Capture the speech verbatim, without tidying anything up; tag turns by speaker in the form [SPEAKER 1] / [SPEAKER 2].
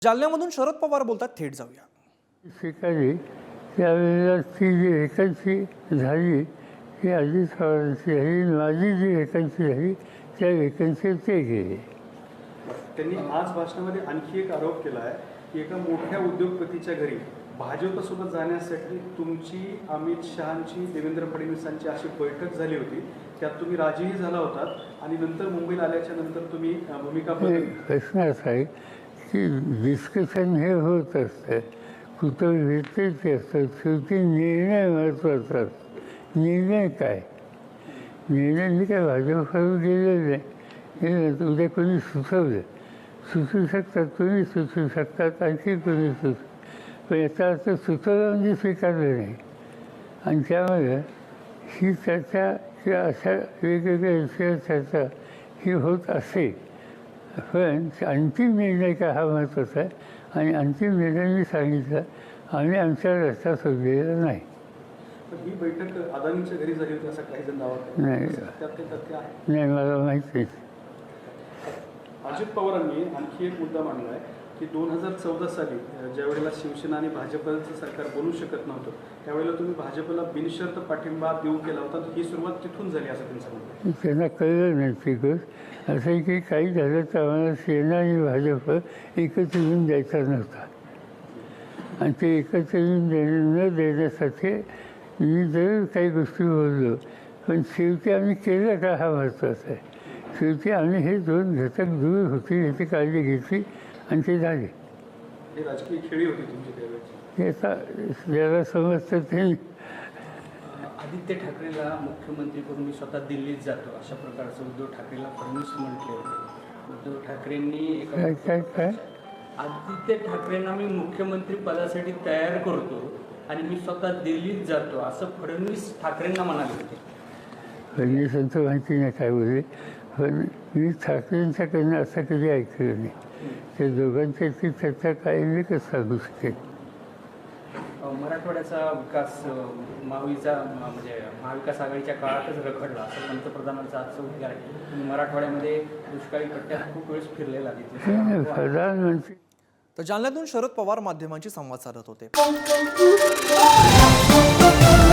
[SPEAKER 1] जालन्यामधून शरद पवार बोलतात, थेट जाऊया.
[SPEAKER 2] स्वीकारली त्यावेळेला ती जी व्हेकन्सी झाली ती अजित पवारांची झाली, माझी जी व्हेकन्सी झाली त्या व्हेकन्सीवर ते गेले.
[SPEAKER 3] त्यांनी आज भाषणामध्ये आणखी एक आरोप केला आहे की एका मोठ्या उद्योगपतीच्या घरी भाजपसोबत जाण्यासाठी तुमची, अमित शहांची, देवेंद्र फडणवीसांची अशी बैठक झाली होती. त्यात तुम्ही राजीही झाला होतात आणि नंतर मुंबईला आल्याच्या नंतर तुम्ही भूमिका बदलली.
[SPEAKER 2] प्रश्न असा आहे की डिस्कशन हे होत असतं, कुठं भेटते असतं, शेवटी निर्णय महत्त्वाचा असतो. निर्णय काय? निर्णय मी काय भाजपकडून गेलेलं नाही, हे उद्या कोणी सुचवलं, सुचू शकतात, कोणी सुचू शकतात, आणखी कोणी सुचू, पण याचा अर्थ सुचवलं म्हणजे स्वीकारलं नाही. आणि त्यामुळे ही चर्चा किंवा अशा वेगवेगळ्या विषयावर चर्चा ही होत असे, पण अंतिम निर्णय काय हा महत्त्वाचा आहे. आणि अंतिम निर्णय मी सांगितलं, आम्ही आमच्या रस्ता सोडलेला नाही.
[SPEAKER 3] ही बैठक अदानीच्या घरी झाली होती असं काही जण दावा करतात.
[SPEAKER 2] नाही
[SPEAKER 3] त्यात काही तथ्य आहे?
[SPEAKER 2] नाही मला माहीत नाही.
[SPEAKER 3] अजित पवारांनी आणखी एक मुद्दा मांडला आहे की दोन हजार चौदा साली ज्यावेळेला शिवसेना आणि भाजपचं सरकार बनू शकत नव्हतं त्यावेळेला तुम्ही भाजपला बिनशर्त पाठिंबा देऊ केला होता. ही सुरुवात तिथून झाली असं त्यांचं म्हणणं आहे.
[SPEAKER 2] त्यांना कळलं नाही ती गोष्ट. असं आहे की काही झालं तर आम्हाला सेना आणि भाजप एकत्र येऊन द्यायचा नव्हता, आणि ते एकत्र येऊन दे न देण्यासाठी मी जर काही गोष्टी बोललो, पण शेवटी आम्ही केलं का हा महत्त्वाचा आहे. शेवटी आम्ही हे दोन घटक दूर होतील याची काळजी घेतली आणि ते झाले.
[SPEAKER 3] ही राजकीय खेळी होती तुमची त्यावेळेची.
[SPEAKER 2] हे आता ज्याला समजतं ते.
[SPEAKER 4] आदित्य ठाकरेला मुख्यमंत्री करून मी स्वतः दिल्लीत जातो अशा प्रकारचं उद्धव ठाकरेला फडणवीस म्हटले होते. उद्धव ठाकरेंनी
[SPEAKER 2] काय
[SPEAKER 4] एका
[SPEAKER 2] काय काय
[SPEAKER 4] आदित्य ठाकरेंना मी मुख्यमंत्री पदासाठी तयार करतो आणि मी स्वतः दिल्लीत जातो असं फडणवीस ठाकरेंना म्हणाले होते.
[SPEAKER 2] फडणवीसांचं माहिती नाही काय बोलले, पण मी ठाकरेंच्याकडनं असं कधी ऐकलं नाही. त्या दोघांच्याची चर्चा काय मी कसं सांगू शकेल.
[SPEAKER 4] मराठवाड्याचा विकास महाविचा म्हणजे महाविकास आघाडीच्या काळातच रखडला असं पंतप्रधानांचं आजचं उद्गार आहे. मराठवाड्यामध्ये दुष्काळी पट्ट्यात खूप वेळेस फिरलेला तिथे
[SPEAKER 2] प्रधानमंत्री.
[SPEAKER 1] तर जालन्यातून शरद पवार माध्यमांशी संवाद साधत होते.